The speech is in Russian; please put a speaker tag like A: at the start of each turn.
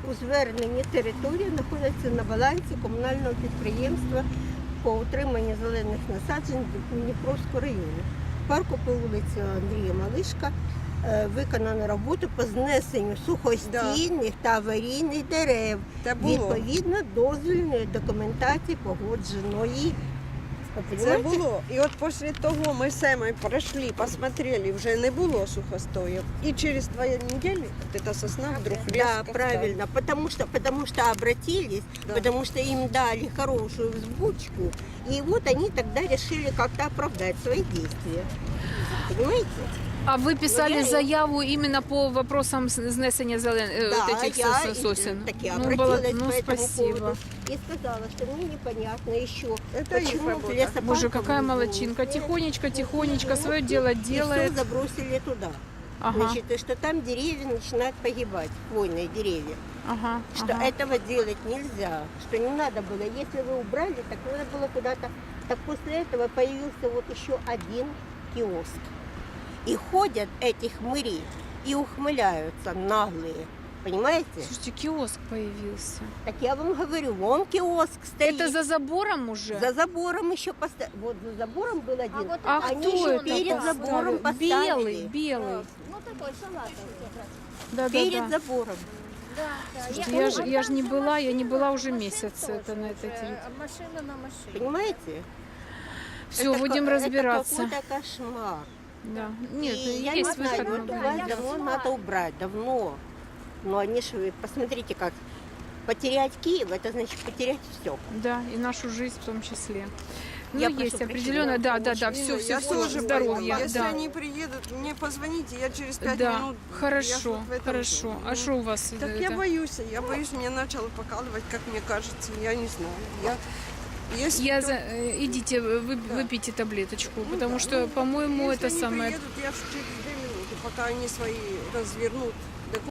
A: у зверненні територія знаходиться на балансі комунального підприємства по утриманню зелених насаджень Дніпровського району. Парку по вулиці Андрія Малишка виконано роботу по знесенню сухостійних та аварійних дерев відповідно дозвільної документації погодженої.
B: Це було. І от після того ми самі пройшли, посмотрели, вже не було сухостоїв. І через 2 недели вот эта сосна вдруг резко
A: Да, правильно, потому что обратились, потому что им дали хорошую взбучку, и вот они тогда решили как-то оправдать свои действия. Понимаете?
C: А вы писали заяву именно по вопросам снесения вот этих сосен?
A: Так я
C: Ну,
A: обратилась
C: ну,
A: по этому
C: спасибо.
A: поводу и сказала, что мне непонятно еще,
B: Это их
A: почему
B: работа.
A: в лесопарковом
C: Боже, какая
A: зоне
C: молодчинка. Тихонечко свое дело
A: и
C: делает.
A: все забросили туда.
C: Ага,
A: Значит, и что там деревья начинают погибать, хвойные деревья.
C: ага,
A: Что
C: ага.
A: этого делать нельзя, что не надо было. Если вы убрали, так надо было куда-то. Так после этого появился вот еще один киоск. И ходят эти хмыри и ухмыляются наглые. Понимаете?
C: Слушайте, киоск появился.
A: Так я вам говорю, вон киоск стоит.
C: Это за забором уже?
A: За забором еще поставили. Вот за забором был один.
D: вот
C: А
A: Они
C: кто
A: еще
C: это
A: перед забором
C: поставил?
A: поставили.
C: Белый.
D: Ну такой салатовый.
C: Да,
A: Перед
C: да.
A: забором.
D: Да.
C: Слушайте, я ж не была уже месяц это на этой территории.
D: Машина на машине.
A: Понимаете?
C: Все,
A: Это
C: будем разбираться.
A: Это какой-то кошмар.
C: Да. Нет,
A: И я не
C: есть
A: знаю,
C: выход.
A: вот у вас давно надо убрать, давно. Но они же, посмотрите, как потерять Киев, это значит потерять все.
C: Да, и нашу жизнь в том числе. Ну,
A: Я прошу
C: есть
A: прощения,
C: определенно, да,
B: Нина,
C: все,
B: я тоже
C: здоровья,
B: боюсь. Если
C: да.
B: они приедут, мне позвоните, я через 5
C: Да,
B: минут. Я ж
C: хорошо,
B: вот в этом
C: хорошо.
B: доме.
C: А что у вас?
B: Так
C: это?
B: я боюсь, меня начало покалывать, как мне кажется, я не знаю.
C: Идите, выпейте таблеточку, потому что, по-моему,
B: Если
C: это
B: они
C: самое...
B: приедут, я ж через 2 минуты, пока они свои развернут